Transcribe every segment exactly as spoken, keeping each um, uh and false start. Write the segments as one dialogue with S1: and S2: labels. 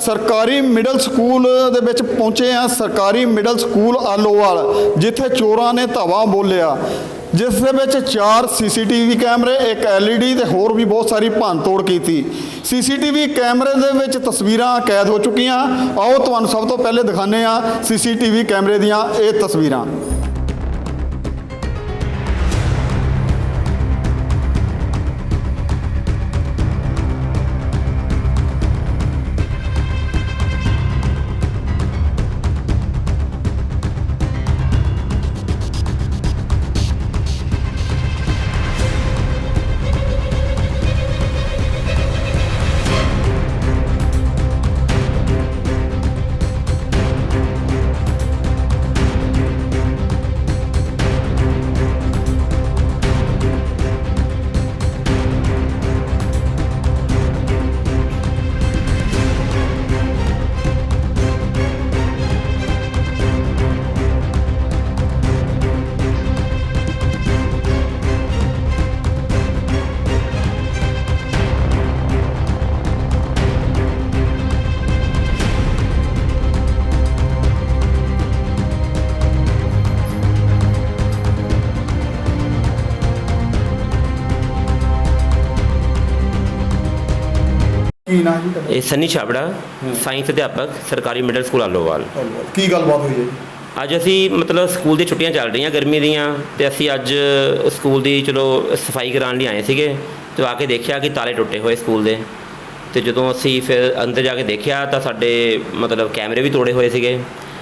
S1: ਸਰਕਾਰੀ middle school ਦੇ ਵਿੱਚ ਪਹੁੰਚੇ ਆ। ਸਰਕਾਰੀ ਮਿਡਲ ਸਕੂਲ ਆਲੋਵਾਲ, ਜਿੱਥੇ ਚੋਰਾਂ ਨੇ ਧਾਵਾ ਬੋਲਿਆ, ਜਿਸ ਦੇ ਵਿੱਚ ਚਾਰ ਸੀਸੀਟੀਵੀ ਕੈਮਰੇ, ਇੱਕ ਐਲਈਡੀ ਤੇ ਹੋਰ ਵੀ ਬਹੁਤ ਸਾਰੀ ਭੰਨ ਤੋੜ ਕੀਤੀ। ਸੀਸੀਟੀਵੀ ਕੈਮਰੇ ਦੇ ਵਿੱਚ ਤਸਵੀਰਾਂ ਕੈਦ ਹੋ ਚੁੱਕੀਆਂ। ਆਓ ਤੁਹਾਨੂੰ ਸਭ ਤੋਂ ਪਹਿਲੇ ਦਿਖਾਉਂਦੇ ਆ ਸੀਸੀਟੀਵੀ ਕੈਮਰੇ ਦੀਆਂ ਇਹ ਤਸਵੀਰਾਂ। ਕੀ ਨਾਂ ਜੀ ਤੁਹਾਡਾ?
S2: ਇਹ ਸਨੀ ਛਾਬੜਾ, ਸਾਇੰਸ ਅਧਿਆਪਕ, ਸਰਕਾਰੀ ਮਿਡਲ ਸਕੂਲ ਆਲੋਵਾਲ।
S1: ਕੀ ਗੱਲਬਾਤ ਹੋਈ ਹੈ ਜੀ?
S2: ਅੱਜ ਅਸੀਂ ਮਤਲਬ ਸਕੂਲ ਦੀ ਛੁੱਟੀਆਂ ਚੱਲ ਰਹੀਆਂ ਗਰਮੀ ਦੀਆਂ, ਤੇ ਅਸੀਂ ਅੱਜ ਸਕੂਲ ਦੀ ਚਲੋ ਸਫਾਈ ਕਰਾਉਣ ਲਈ ਆਏ ਸੀਗੇ। ਤੇ ਆ ਕੇ ਦੇਖਿਆ ਕਿ ਤਾਲੇ ਟੁੱਟੇ ਹੋਏ ਸਕੂਲ ਦੇ। ਤੇ ਜਦੋਂ ਅਸੀਂ ਫਿਰ ਅੰਦਰ ਜਾ ਕੇ ਦੇਖਿਆ ਤਾਂ ਸਾਡੇ ਮਤਲਬ ਕੈਮਰੇ ਵੀ ਤੋੜੇ ਹੋਏ ਸੀਗੇ।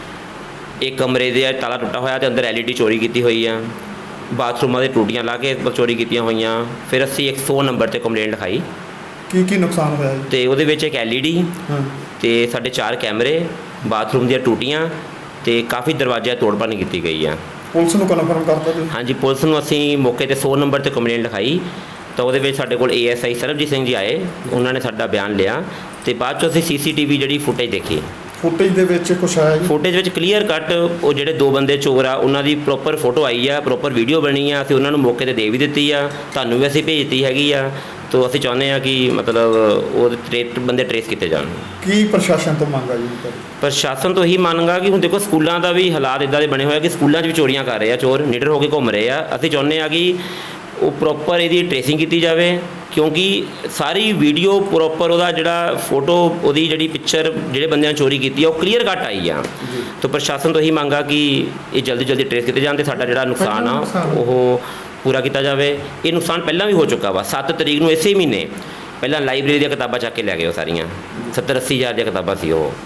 S2: ਇੱਕ ਕਮਰੇ ਦੇ ਤਾਲਾ ਟੁੱਟਾ ਹੋਇਆ ਤੇ ਅੰਦਰ ਐਲਈਡੀ ਚੋਰੀ ਕੀਤੀ ਹੋਈ ਆ। ਬਾਥਰੂਮਾਂ ਦੇ ਟੂਟੀਆਂ ਲਾ ਕੇ ਚੋਰੀ ਕੀਤੀਆਂ ਹੋਈਆਂ। ਫਿਰ ਅਸੀਂ ਇੱਕ ਸੌ ਨੰਬਰ 'ਤੇ ਕੰਪਲੇਂਟ ਲਿਖਾਈ।
S1: ਕੀ ਕੀ ਨੁਕਸਾਨ ਹੋਇਆ ਜੀ?
S2: ਤੇ ਉਹਦੇ ਵਿੱਚ ਇੱਕ ਐਲਈਡੀ ਤੇ ਸਾਡੇ ਚਾਰ ਕੈਮਰੇ, ਬਾਥਰੂਮ ਦੀਆਂ ਟੂਟੀਆਂ ਤੇ ਕਾਫੀ ਦਰਵਾਜ਼ਿਆਂ ਤੋੜ ਭੰਨ ਕੀਤੀ ਗਈ ਆ।
S1: ਪੁਲਿਸ ਨੂੰ ਕਨਫਰਮ ਕਰਤਾ ਜੀ?
S2: ਹਾਂਜੀ, ਪੁਲਿਸ ਨੂੰ ਅਸੀਂ ਮੌਕੇ 'ਤੇ ਸੌ ਨੰਬਰ 'ਤੇ ਕੰਪਲੇਂਟ ਲਿਖਾਈ। ਤਾਂ ਉਹਦੇ ਵਿੱਚ ਸਾਡੇ ਕੋਲ ਏਐਸਆਈ ਸਰਬਜੀਤ ਸਿੰਘ ਜੀ ਆਏ, ਉਹਨਾਂ ਨੇ ਸਾਡਾ ਬਿਆਨ ਲਿਆ। ਤੇ ਬਾਅਦ 'ਚੋਂ ਅਸੀਂ ਸੀਸੀਟੀਵੀ ਜਿਹੜੀ ਫੁਟੇਜ ਦੇਖੀ।
S1: ਫੁਟੇਜ ਦੇ ਵਿੱਚ ਕੁਛ ਆਇਆ ਜੀ?
S2: ਫੁਟੇਜ ਵਿੱਚ ਕਲੀਅਰ ਕੱਟ ਉਹ ਜਿਹੜੇ ਦੋ ਬੰਦੇ ਚੋਰ ਆ ਉਹਨਾਂ ਦੀ ਪ੍ਰੋਪਰ ਫੋਟੋ ਆਈ ਆ, ਪ੍ਰੋਪਰ ਵੀਡੀਓ ਬਣੀ ਆ। ਅਸੀਂ ਉਹਨਾਂ ਨੂੰ ਮੌਕੇ 'ਤੇ ਦੇ ਵੀ ਦਿੱਤੀ ਆ, ਤੁਹਾਨੂੰ ਵੀ ਅਸੀਂ ਭੇਜਤੀ ਹੈਗੀ ਆ। ਤੋ ਅਸੀਂ ਚਾਹੁੰਦੇ ਹਾਂ ਕਿ ਮਤਲਬ ਉਹਦੇ ਟ੍ਰੇਸ ਬੰਦੇ ਟ੍ਰੇਸ ਕੀਤੇ ਜਾਣ।
S1: ਕੀ ਪ੍ਰਸ਼ਾਸਨ ਤੋਂ ਮੰਗ ਆ ਜੀ?
S2: ਪ੍ਰਸ਼ਾਸਨ ਤੋਂ ਇਹੀ ਮੰਗਾ ਕਿ ਹੁਣ ਦੇਖੋ ਸਕੂਲਾਂ ਦਾ ਵੀ ਹਾਲਾਤ ਇੱਦਾਂ ਦੇ ਬਣੇ ਹੋਏ ਆ ਕਿ ਸਕੂਲਾਂ 'ਚ ਵੀ ਚੋਰੀਆਂ ਕਰ ਰਹੇ ਆ, ਚੋਰ ਨਿਡਰ ਹੋ ਕੇ ਘੁੰਮ ਰਹੇ ਆ। ਅਸੀਂ ਚਾਹੁੰਦੇ ਹਾਂ ਕਿ ਉਹ ਪ੍ਰੋਪਰ ਇਹਦੀ ਟ੍ਰੇਸਿੰਗ ਕੀਤੀ ਜਾਵੇ, ਕਿਉਂਕਿ ਸਾਰੀ ਵੀਡੀਓ ਪ੍ਰੋਪਰ ਉਹਦਾ ਜਿਹੜਾ ਫੋਟੋ, ਉਹਦੀ ਜਿਹੜੀ ਪਿਕਚਰ ਜਿਹੜੇ ਬੰਦਿਆਂ ਨੇ ਚੋਰੀ ਕੀਤੀ ਆ ਉਹ ਕਲੀਅਰ ਕੱਟ ਆਈ ਆ। ਤਾਂ ਪ੍ਰਸ਼ਾਸਨ ਤੋਂ ਇਹੀ ਮੰਗਾ ਕਿ ਇਹ ਜਲਦੀ ਜਲਦੀ ਟ੍ਰੇਸ ਕੀਤੇ ਜਾਣ ਤੇ ਸਾਡਾ ਜਿਹੜਾ ਨੁਕਸਾਨ ਆ ਉਹ ਪੂਰਾ ਕੀਤਾ ਜਾਵੇ। ਇਹ ਨੁਕਸਾਨ ਪਹਿਲਾਂ ਵੀ ਹੋ ਚੁੱਕਾ ਵਾ। ਸੱਤ ਤਰੀਕ ਨੂੰ ਇਸੇ ਮਹੀਨੇ ਪਹਿਲਾਂ ਲਾਇਬ੍ਰੇਰੀ ਦੀਆਂ ਕਿਤਾਬਾਂ ਚੱਕ ਕੇ ਲੈ ਗਏ ਉਹ ਸਾਰੀਆਂ, ਸੱਤਰ ਅੱਸੀ ਹਜ਼ਾਰ ਦੀਆਂ ਕਿਤਾਬਾਂ ਸੀ ਉਹ।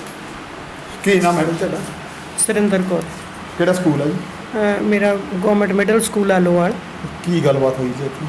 S1: ਕੀ ਨਾਮ ਮੈਡਮ ਤੁਹਾਡਾ?
S3: ਸੁਰਿੰਦਰ ਕੌਰ।
S1: ਕਿਹੜਾ ਸਕੂਲ ਹੈ ਜੀ?
S3: ਅ, ਮੇਰਾ ਗਵਰਨਮੈਂਟ ਮਿਡਲ ਸਕੂਲ ਆਲੋਵਾਲ।
S1: ਕੀ ਗੱਲਬਾਤ ਹੋਈ ਜੀ ਇੱਥੇ?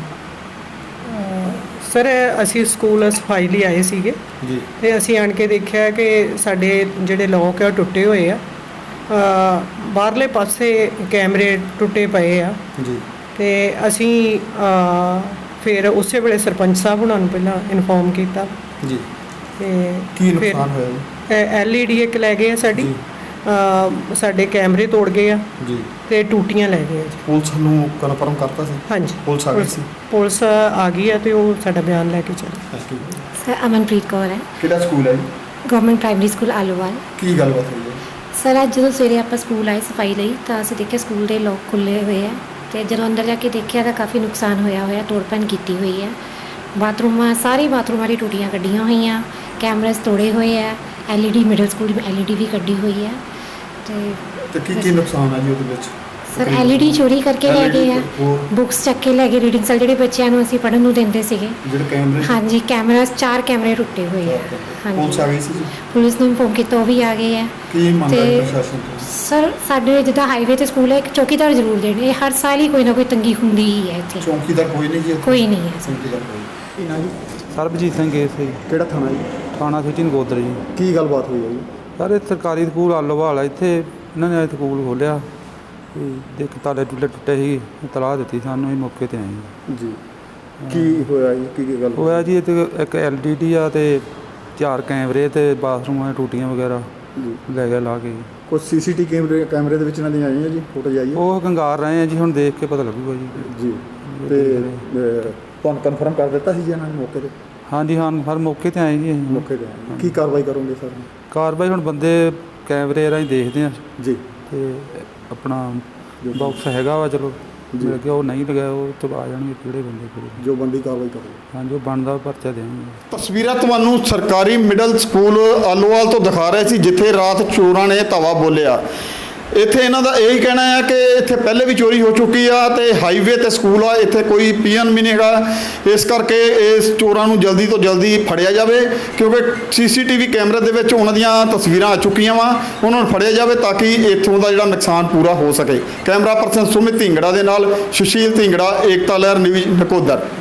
S3: ਸਰ ਅਸੀਂ ਸਕੂਲ ਸਫਾਈ ਲਈ ਆਏ ਸੀਗੇ
S1: ਜੀ,
S3: ਤੇ ਅਸੀਂ ਆਣ ਕੇ ਦੇਖਿਆ ਕਿ ਸਾਡੇ ਜਿਹੜੇ ਲੋਕ ਆ ਉਹ ਟੁੱਟੇ ਹੋਏ ਆ। ਅ, ਬਾਹਰਲੇ ਪਾਸੇ ਕੈਮਰੇ ਟੁੱਟੇ ਪਏ ਆ
S1: ਜੀ।
S3: ਤੇ ਅਸੀਂ ਅ, ਫਿਰ ਉਸੇ ਵੇਲੇ ਸਰਪੰਚ ਸਾਹਿਬ ਉਹਨਾਂ ਨੂੰ ਪਹਿਲਾਂ ਇਨਫੋਰਮ ਕੀਤਾ।
S1: ਜੀ।
S3: ਤੇ
S1: ਕੀ ਨੁਕਸਾਨ ਹੋਇਆ ਜੀ?
S3: ਐਲਈਡੀ ਇੱਕ ਲੈ ਗਏ ਆ ਸਾਡੀ, ਅ, ਸਾਡੇ ਕੈਮਰੇ ਤੋੜ ਗਏ ਆ
S1: ਜੀ,
S3: ਤੇ ਟੂਟੀਆਂ ਲੈ ਗਏ ਆ ਜੀ।
S1: ਪੁਲਿਸ ਨੂੰ ਕਨਫਰਮ ਕਰਤਾ ਸੀ?
S3: ਹਾਂਜੀ,
S1: ਪੁਲਿਸ ਆ ਗਈ ਸੀ?
S3: ਪੁਲਿਸ ਆ ਗਈ ਹੈ ਤੇ ਉਹ ਸਾਡਾ ਬਿਆਨ ਲੈ ਕੇ ਚੱਲੀ।
S4: ਸਰ ਅਮਨਪ੍ਰੀਤ ਕੌਰ ਹੈ,
S1: ਕਿਹੜਾ ਸਕੂਲ ਹੈ ਜੀ?
S4: Government primary school Alowal.
S1: ਕੀ ਗੱਲਬਾਤ ਹੋਈ ਹੈ?
S4: ਸਰ ਅੱਜ ਜਦੋਂ ਸਵੇਰੇ ਆਪਾਂ ਸਕੂਲ ਆਏ ਸਫਾਈ ਲਈ ਤਾਂ ਅਸੀਂ ਦੇਖਿਆ ਸਕੂਲ ਦੇ ਲੋਕ ਖੁੱਲ੍ਹੇ ਹੋਏ ਆ। ਤੇ ਜਦੋਂ ਅੰਦਰ ਜਾ ਕੇ ਦੇਖਿਆ ਤਾਂ ਕਾਫੀ ਨੁਕਸਾਨ ਹੋਇਆ ਹੋਇਆ, ਤੋੜ ਭੰਨ ਕੀਤੀ ਹੋਈ ਹੈ। ਬਾਥਰੂਮਾਂ ਸਾਰੇ ਬਾਥਰੂਮਾਂ ਦੀ ਟੂਟੀਆਂ ਕੱਢੀਆਂ ਹੋਈਆਂ, ਕੈਮਰਾਸ ਤੋੜੇ ਹੋਏ ਆ, ਐਲਈਡੀ ਮਿਡਲ ਸਕੂਲ ਦੀ ਐਲਈਡੀ ਵੀ ਕੱਢੀ ਹੋਈ ਹੈ। ਤੇ
S1: ਤੇ ਕੀ ਕੀ ਨੁਕਸਾਨ ਹੈ ਜੀ ਉਹਦੇ ਵਿੱਚ?
S4: ਸਰ ਐਲਈਡੀ ਚੋਰੀ ਕਰਕੇ ਲੈ ਗਏ ਆ,
S1: ਹੋਰ
S4: ਬੁੱਕਸ ਚੱਕ ਕੇ ਲੈ ਗਏ, ਰੀਡਿੰਗ ਸੈਲ ਜਿਹੜੇ ਬੱਚਿਆਂ ਨੂੰ ਅਸੀਂ ਪੜ੍ਹਨ ਨੂੰ ਦਿੰਦੇ ਸੀਗੇ।
S1: ਜਿਹੜੇ ਕੈਮਰੇ?
S4: ਹਾਂਜੀ, ਕੈਮਰਾਸ ਚਾਰ ਕੈਮਰੇ ਟੁੱਟੇ ਹੋਏ ਆ।
S1: ਪੁਲਿਸ ਆ
S4: ਹਾਂਜੀ,
S1: ਗਈ ਸੀ ਜੀ?
S4: ਪੁਲਿਸ ਨੂੰ ਇਨਫੋਰਮ ਕੀਤਾ, ਉਹ ਵੀ ਆ ਗਏ ਆ।
S1: ਕੀ ਮੰਗ ਹੈ
S4: ਤੇ
S1: ਪ੍ਰਸ਼ਾਸਨ ਤੋਂ?
S4: ਸਰ ਸਾਡੇ ਜਿੱਦਾਂ ਹਾਈਵੇ ਤੇ ਸਕੂਲ ਹੈ, ਇੱਕ ਚੌਕੀਦਾਰ ਜ਼ਰੂਰ ਦੇਣ। ਇਹ ਹਰ ਸਾਲ ਹੀ ਕੋਈ ਨਾ ਕੋਈ ਤੰਗੀ ਹੁੰਦੀ ਹੀ ਹੈ ਇੱਥੇ।
S1: ਚੌਂਕੀਦਾਰ ਕੋਈ ਨਹੀਂ ਜੀ ਇੱਥੇ?
S4: ਕੋਈ ਨਹੀਂ ਹੈ ਸਰ।
S1: ਚੌਂਕੀਦਾਰ ਕੋਈ। ਕੀ ਨਾਂ ਜੀ?
S5: ਸਰਬਜੀਤ ਸਿੰਘ ਏ ਸੀ।
S1: ਕਿਹੜਾ ਥਾਣਾ ਜੀ?
S5: ਥਾਣਾ ਸਿਟੀ ਨਗੋਦਰ ਜੀ।
S1: ਕੀ ਗੱਲਬਾਤ ਹੋਈ ਹੈ ਜੀ?
S5: ਸਰ ਇਹ ਸਰਕਾਰੀ ਸਕੂਲ ਆਲੋਵਾਲ ਆ, ਇੱਥੇ ਇਹਨਾਂ ਨੇ ਸਕੂਲ ਖੋਲ੍ਹਿਆ ਤੇ ਦੇਖ ਤਾਲੇ ਟੁੱਟੇ ਟੁੱਟੇ ਸੀ, ਇਤਲਾਹ ਦਿੱਤੀ ਸਾਨੂੰ, ਇਹ ਮੌਕੇ 'ਤੇ ਆਏ
S1: ਜੀ। ਕੀ ਹੋਇਆ ਜੀ? ਕੀ ਕੀ ਗੱਲ
S5: ਹੋਇਆ ਜੀ? ਇੱਥੇ ਇੱਕ ਐਲ ਡੀ ਡੀ ਆ ਤੇ ਚਾਰ ਕੈਮਰੇ ਤੇ ਬਾਥਰੂਮਾਂ ਦੀਆਂ ਟੂਟੀਆਂ ਵਗੈਰਾ
S1: ਜੀ
S5: ਲੈ ਗਿਆ ਲਾ ਕੇ।
S1: ਕੁਝ ਸੀਸੀਟੀ ਕੈਮਰੇ ਕੈਮਰੇ ਦੇ ਵਿੱਚ ਇਹਨਾਂ ਦੀਆਂ ਆਈਆਂ ਜੀ, ਫੋਟੋ ਆਈ ਹੈ?
S5: ਉਹ ਕੰਗਾਰ ਰਹੇ ਆ ਜੀ, ਹੁਣ ਦੇਖ ਕੇ ਪਤਾ ਲੱਗੂਗਾ ਜੀ।
S1: ਜੀ। ਤੇ ਤੁਹਾਨੂੰ ਕਨਫਰਮ ਕਰ ਦਿੱਤਾ ਸੀ ਜੀ ਇਹਨਾਂ ਨੇ ਮੌਕੇ 'ਤੇ?
S5: ਹਾਂਜੀ ਹਾਂ ਹਰ ਮੌਕੇ ਤੇ ਆਏ ਜੀ ਅਸੀਂ
S6: ਮੌਕੇ ਤੇ ਆਏ। ਕੀ ਕਾਰਵਾਈ ਕਰੋਗੇ ਸਰ?
S5: ਕਾਰਵਾਈ ਹੁਣ ਬੰਦੇ ਕੈਮਰੇ ਰਾਹੀਂ ਦੇਖਦੇ ਆ
S6: ਜੀ
S5: ਤੇ ਆਪਣਾ ਬਾਕਸ ਹੈਗਾ ਵਾ ਚਲੋ ਜੇ ਲੱਗਿਆ ਉਹ ਨਹੀਂ ਲਗਾਇਆ ਉਹ ਤੋਂ ਆ ਜਾਣਗੇ ਕਿਹੜੇ ਬੰਦੇ ਕਿਹੜੇ
S6: ਜੋ ਬੰਦੀ ਕਾਰਵਾਈ ਕਰੋ।
S5: ਹਾਂ ਜੋ ਬਣਦਾ ਪਰਚਾ ਦੇਵਾਂਗੇ।
S1: ਤਸਵੀਰਾਂ ਤੁਹਾਨੂੰ ਸਰਕਾਰੀ ਮਿਡਲ ਸਕੂਲ ਆਲੋਵਾਲ ਤੋਂ ਦਿਖਾ ਰਹੇ ਸੀ ਜਿੱਥੇ ਰਾਤ ਚੋਰਾਂ ਨੇ ਧਾਵਾ ਬੋਲਿਆ। ਇੱਥੇ ਇਹਨਾਂ ਦਾ ਇਹੀ ਕਹਿਣਾ ਹੈ ਕਿ ਇੱਥੇ ਪਹਿਲੇ ਵੀ ਚੋਰੀ ਹੋ ਚੁੱਕੀ ਆ ਤੇ ਹਾਈਵੇ ਤੇ ਸਕੂਲ ਆ, ਇੱਥੇ ਕੋਈ ਪੀਐਨ ਵੀ ਨਹੀਂ ਹੈਗਾ। ਇਸ ਕਰਕੇ ਇਸ ਚੋਰਾਂ ਨੂੰ ਜਲਦੀ ਤੋਂ ਜਲਦੀ ਫੜਿਆ ਜਾਵੇ ਕਿਉਂਕਿ ਸੀਸੀਟੀਵੀ ਕੈਮਰੇ ਦੇ ਵਿੱਚ ਉਹਨਾਂ ਦੀਆਂ ਤਸਵੀਰਾਂ ਆ ਚੁੱਕੀਆਂ ਵਾ। ਉਹਨਾਂ ਨੂੰ ਫੜਿਆ ਜਾਵੇ ਤਾਂ ਕਿ ਇੱਥੋਂ ਦਾ ਜਿਹੜਾ ਨੁਕਸਾਨ ਪੂਰਾ ਹੋ ਸਕੇ। ਕੈਮਰਾ ਪਰਸਨ ਸੁਮਿਤ ਢਿੰਗੜਾ ਦੇ ਨਾਲ ਸੁਸ਼ੀਲ ਢਿੰਗੜਾ, ਏਕਤਾ ਲਹਿਰ ਨਿਊਜ਼ ਨਕੋਦਰ।